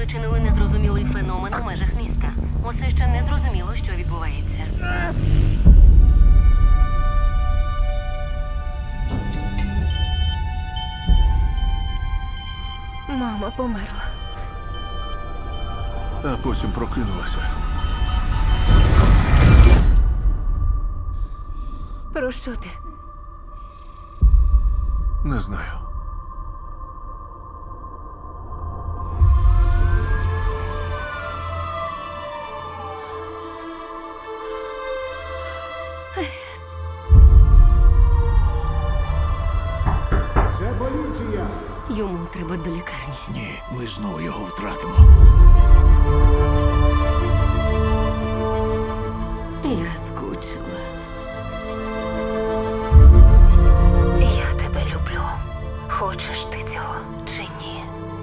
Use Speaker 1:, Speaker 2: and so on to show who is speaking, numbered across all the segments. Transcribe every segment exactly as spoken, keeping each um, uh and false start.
Speaker 1: спричинили незрозумілий феномен у межах міста. Усе ще не зрозуміло, що відбувається.
Speaker 2: Мама померла.
Speaker 3: А потім прокинулася.
Speaker 2: Про що ти?
Speaker 3: Не знаю.
Speaker 4: Це поліція!
Speaker 1: Йому треба до лікарні.
Speaker 5: Ні, ми знову його втратимо.
Speaker 1: Я скучила.
Speaker 2: Я тебе люблю. Хочеш ти цього чи ні?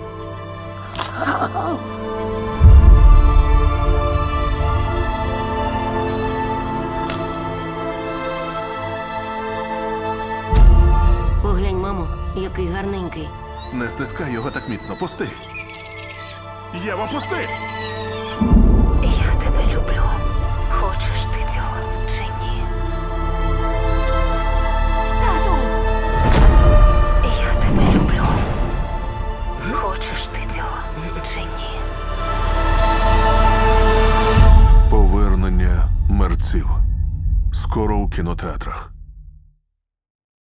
Speaker 1: Поглянь, мамо, який гарненький.
Speaker 3: Не стискай його так міцно. Пусти. Єва, пусти!
Speaker 2: Я тебе люблю. Хочеш ти цього чи ні?
Speaker 1: Тату!
Speaker 2: Я тебе люблю. Хочеш ти цього чи ні?
Speaker 3: Повернення мерців. Скоро у кінотеатрах.